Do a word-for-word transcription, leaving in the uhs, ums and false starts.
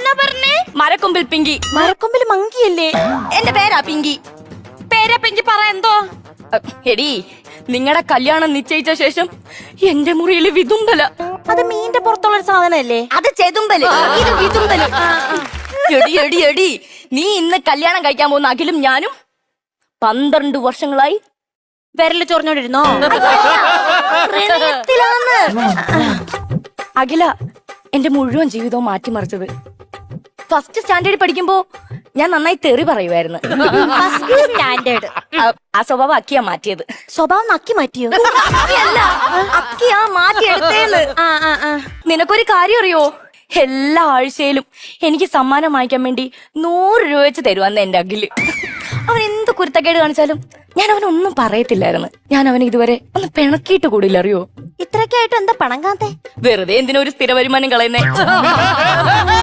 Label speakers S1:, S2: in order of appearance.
S1: എന്നാ പറഞ്ഞേ?
S2: മരക്കൊമ്പിൽ പിങ്കി.
S1: മരക്കൊമ്പിൽ മങ്കിയല്ലേ?
S2: എന്റെ പേരാ പിങ്കി.
S1: പേരാ പിങ്കി. പറ എന്തോ?
S2: എടി, നിങ്ങളുടെ കല്യാണം നിശ്ചയിച്ച ശേഷം എന്റെ മുറിയിൽ വിതുമ്പല.
S1: അത് മീന്റെ പുറത്തുള്ള ഒരു സാധനല്ലേ?
S2: അത് ചെതുമ്പല്, ഇത് വിതുമ്പല്. എടി എടി എടി നീ ഇന്ന് കല്യാണം കഴിക്കാൻ പോകുന്ന അഖിലും ഞാനും പന്ത്രണ്ട് വർഷങ്ങളായി
S1: വിരല് ചൊറിഞ്ഞോണ്ടിരുന്നോ?
S2: അഖില എന്റെ മുഴുവൻ ജീവിതവും മാറ്റിമറിച്ചത്. ഫസ്റ്റ് സ്റ്റാൻഡേർഡിൽ പഠിക്കുമ്പോ ഞാൻ നന്നായി തെറി പറയുമായിരുന്നു.
S1: സ്റ്റാൻഡേർഡ്.
S2: ആ സ്വഭാവം അക്കിയാ മാറ്റിയത്.
S1: സ്വഭാവം നക്കി മാറ്റിയോ?
S2: അല്ല, അക്കിയാ മാറ്റിയെടുത്തേന്ന്. നിനക്കൊരു കാര്യം അറിയോ? എല്ലാ ആഴ്ചയിലും എനിക്ക് സമ്മാനം വാങ്ങിക്കാൻ വേണ്ടി നൂറ് രൂപ വെച്ച് തരുവാന്ന് എന്റെ അഖില്. അവൻ എന്ത് കുരുത്തക്കേട് കാണിച്ചാലും ഞാൻ അവനൊന്നും പറയത്തില്ലായിരുന്നു. ഞാൻ അവന് ഇതുവരെ ഒന്ന് പിണക്കിയിട്ട് കൂടില്ല, അറിയോ?
S1: ഇത്രയൊക്കെ ആയിട്ട് എന്താ പണം കാത്തേ?
S2: വെറുതെ എന്തിനൊരു സ്ഥിര വരുമാനം കളയുന്നേ.